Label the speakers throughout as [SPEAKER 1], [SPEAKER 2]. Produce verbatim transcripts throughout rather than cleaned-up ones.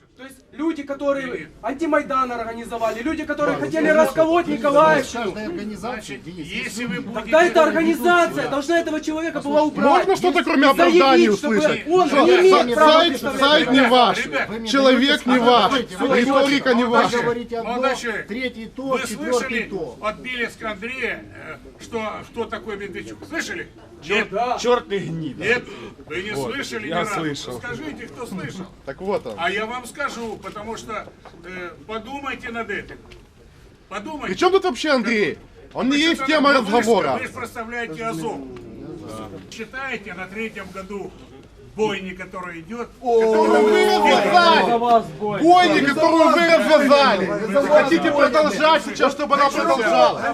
[SPEAKER 1] То есть люди, которые антимайдан организовали, люди, которые хотели расколоть Николаевщину.
[SPEAKER 2] Если вы будете...
[SPEAKER 1] Тогда эта организация должна этого человека была убрать.
[SPEAKER 3] Можно что-то кроме оправданий услышать?
[SPEAKER 1] Он
[SPEAKER 3] Что,
[SPEAKER 1] не имеет
[SPEAKER 3] сайт,
[SPEAKER 1] права
[SPEAKER 3] сайт,
[SPEAKER 1] представлять.
[SPEAKER 3] сайт не ваш, человек не ваш, риторика не ваша.
[SPEAKER 2] Молодой человек,
[SPEAKER 4] Третий то,
[SPEAKER 2] вы
[SPEAKER 4] четвертый
[SPEAKER 2] слышали
[SPEAKER 4] то.
[SPEAKER 2] от Белецка Андрея, э, что, кто такой Медведчук? Слышали?
[SPEAKER 5] Черт, черт и гнида.
[SPEAKER 2] Нет, вы не слышали
[SPEAKER 5] я
[SPEAKER 2] ни разу.
[SPEAKER 5] слышал.
[SPEAKER 2] Скажите, кто слышал.
[SPEAKER 3] Так вот он.
[SPEAKER 2] А я вам скажу, потому что э, подумайте над этим. Подумайте.
[SPEAKER 3] При чем тут вообще Андрей? Он не
[SPEAKER 2] Вы
[SPEAKER 3] есть
[SPEAKER 2] что-то
[SPEAKER 3] тема
[SPEAKER 2] вы же-
[SPEAKER 3] разговора.
[SPEAKER 2] Вы же представляете Азов. Считаете, на третьем году бойни, который идет,
[SPEAKER 3] Которую вы развязали! Бойни, которую вы развязали! Вы хотите продолжать сейчас, чтобы она продолжалась?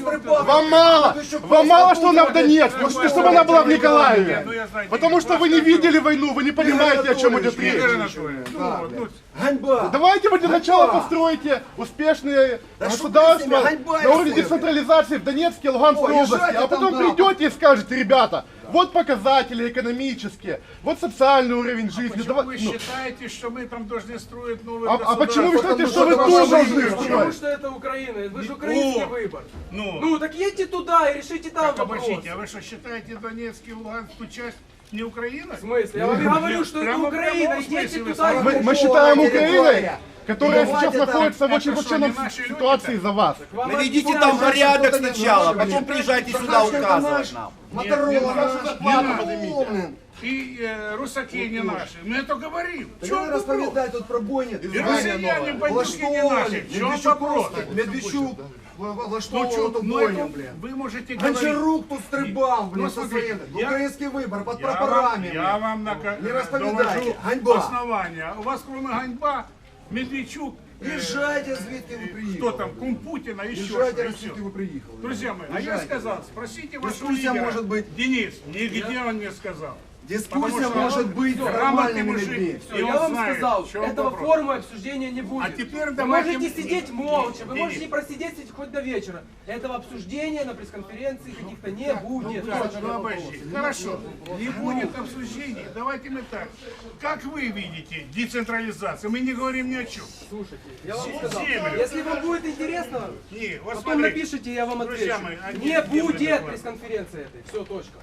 [SPEAKER 3] Вам мало! Вам мало, что она в Донецке, вы хотите, чтобы она была в Николаеве! Потому что вы не видели войну, вы не понимаете, о чем идет речь.
[SPEAKER 2] Игорь Анатольевич, ну, ну,
[SPEAKER 4] Ганьба!
[SPEAKER 3] Давайте вы для начала построите успешные государства на уровне децентрализации в Донецкой и Луганской области, а потом придете и скажете, ребята, вот показатели экономические, вот социальный уровень жизни.
[SPEAKER 2] почему
[SPEAKER 3] Давай-
[SPEAKER 2] вы
[SPEAKER 3] ну,
[SPEAKER 2] считаете, что мы там должны строить новые
[SPEAKER 3] а, а почему вы считаете, что вы
[SPEAKER 4] Потому
[SPEAKER 3] тоже
[SPEAKER 4] что
[SPEAKER 3] должны
[SPEAKER 4] ваша
[SPEAKER 1] Потому
[SPEAKER 3] строить?
[SPEAKER 1] что это Украина, вы же украинский
[SPEAKER 2] О,
[SPEAKER 1] выбор.
[SPEAKER 2] Ну,
[SPEAKER 1] Ну так едьте туда и решите там
[SPEAKER 2] так,
[SPEAKER 1] вопрос.
[SPEAKER 2] обождите, а вы что, считаете Донецк и Луганскую часть не Украиной?
[SPEAKER 1] В смысле? Я вам и говорю, что это
[SPEAKER 2] Прямо в
[SPEAKER 1] Украина,
[SPEAKER 2] прямом
[SPEAKER 1] идите
[SPEAKER 2] смысле вы
[SPEAKER 1] туда. и
[SPEAKER 3] Мы, мы
[SPEAKER 1] попробуйте.
[SPEAKER 3] считаем
[SPEAKER 4] территория.
[SPEAKER 3] Украиной, которая
[SPEAKER 4] Давайте
[SPEAKER 3] сейчас
[SPEAKER 4] там.
[SPEAKER 3] находится в
[SPEAKER 2] Это
[SPEAKER 3] очень
[SPEAKER 2] что,
[SPEAKER 3] плачевной
[SPEAKER 2] не наши люди-то?
[SPEAKER 3] ситуации из-за вас.
[SPEAKER 1] Вам
[SPEAKER 6] Наведите
[SPEAKER 1] объясняют,
[SPEAKER 6] там
[SPEAKER 1] что
[SPEAKER 6] порядок
[SPEAKER 4] что-то не
[SPEAKER 6] сначала,
[SPEAKER 4] нужно,
[SPEAKER 6] потом
[SPEAKER 4] блин.
[SPEAKER 6] приезжайте сюда
[SPEAKER 4] Сахарченко
[SPEAKER 6] указывать
[SPEAKER 4] наш,
[SPEAKER 6] нам.
[SPEAKER 4] Моторола наш,
[SPEAKER 3] Зарплату
[SPEAKER 4] поднимите.
[SPEAKER 2] И э, русаки не наши. Мы это говорим. В
[SPEAKER 4] Ты
[SPEAKER 2] чем
[SPEAKER 4] не
[SPEAKER 2] вопрос?
[SPEAKER 4] расповедай тут про бойни.
[SPEAKER 2] И россияне, бандюки не наши. В чем вопрос?
[SPEAKER 4] Медведчук
[SPEAKER 2] Ну,
[SPEAKER 4] влаштовував
[SPEAKER 2] чё,
[SPEAKER 4] эту
[SPEAKER 2] ну,
[SPEAKER 4] бойню,
[SPEAKER 2] это
[SPEAKER 4] блин.
[SPEAKER 2] вы можете говорить.
[SPEAKER 4] Гончарук тут стрибал, блин,
[SPEAKER 2] Ну,
[SPEAKER 4] со
[SPEAKER 2] смотрите,
[SPEAKER 4] своим.
[SPEAKER 2] я-
[SPEAKER 4] Украинский выбор, под
[SPEAKER 2] Я вам,
[SPEAKER 4] прапорами,
[SPEAKER 2] я
[SPEAKER 4] блин.
[SPEAKER 2] вам нака-
[SPEAKER 4] Не расповедайте.
[SPEAKER 2] довожу
[SPEAKER 4] Ганьба.
[SPEAKER 2] основания. У вас кроме ганьба, Медведчук, э,
[SPEAKER 4] Езжайте, звідки ви
[SPEAKER 2] кто
[SPEAKER 4] приїхали.
[SPEAKER 2] там, кум Путина, еще
[SPEAKER 4] Езжайте,
[SPEAKER 2] что-то.
[SPEAKER 4] звідки ви приїхали.
[SPEAKER 2] Друзья мои, а я
[SPEAKER 4] Езжайте.
[SPEAKER 2] сказал, спросите вашего
[SPEAKER 4] Дискуссия
[SPEAKER 2] лидера.
[SPEAKER 4] может быть.
[SPEAKER 2] Денис, нигде он не сказал.
[SPEAKER 4] Дискуссия
[SPEAKER 2] Потому что
[SPEAKER 4] может
[SPEAKER 2] он
[SPEAKER 4] быть с
[SPEAKER 2] грамотный
[SPEAKER 4] нормальными
[SPEAKER 2] мужик.
[SPEAKER 4] людьми.
[SPEAKER 1] Всё,
[SPEAKER 2] И
[SPEAKER 1] я
[SPEAKER 2] он
[SPEAKER 1] вам
[SPEAKER 2] знает,
[SPEAKER 1] сказал,
[SPEAKER 2] в чем
[SPEAKER 1] этого
[SPEAKER 2] вопрос.
[SPEAKER 1] форума обсуждения не будет.
[SPEAKER 2] А теперь
[SPEAKER 1] Вы
[SPEAKER 2] давайте-
[SPEAKER 1] можете сидеть молча, вы
[SPEAKER 2] Денис.
[SPEAKER 1] можете просидеть хоть до вечера. Этого обсуждения на пресс-конференции каких-то не будет.
[SPEAKER 2] Так, ну, обожди. Хорошо, не будет обсуждений. Давайте мы так. Как вы видите децентрализацию? Мы не говорим ни о чем.
[SPEAKER 1] Слушайте, я вам сказал,
[SPEAKER 2] Землю.
[SPEAKER 1] если вам будет интересно,
[SPEAKER 2] Не, вот
[SPEAKER 1] потом
[SPEAKER 2] смотрите.
[SPEAKER 1] напишите, я вам
[SPEAKER 2] Друзья
[SPEAKER 1] отвечу.
[SPEAKER 2] мои, а
[SPEAKER 1] Не
[SPEAKER 2] где- где вы
[SPEAKER 1] будет
[SPEAKER 2] доклад?
[SPEAKER 1] пресс-конференции этой. Все, точка.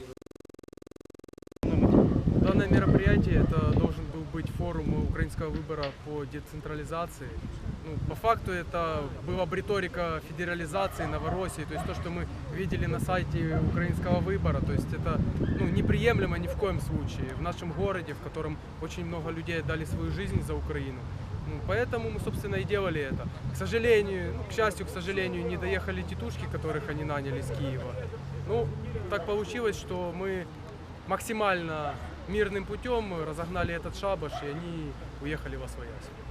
[SPEAKER 7] Данное мероприятие это должен был быть форум украинского выбора по децентрализации. Ну, по факту это была бы риторика федерализации, Новороссии, то есть то, что мы видели на сайте украинского выбора, то есть это ну, неприемлемо ни в коем случае в нашем городе, в котором очень много людей отдали свою жизнь за Украину. Ну, поэтому мы, собственно, и делали это. К сожалению, ну, к счастью, к сожалению, не доехали тетушки, которых они наняли с Киева. Ну, так получилось, что мы максимально мирным путем разогнали этот шабаш, и они уехали во своясь.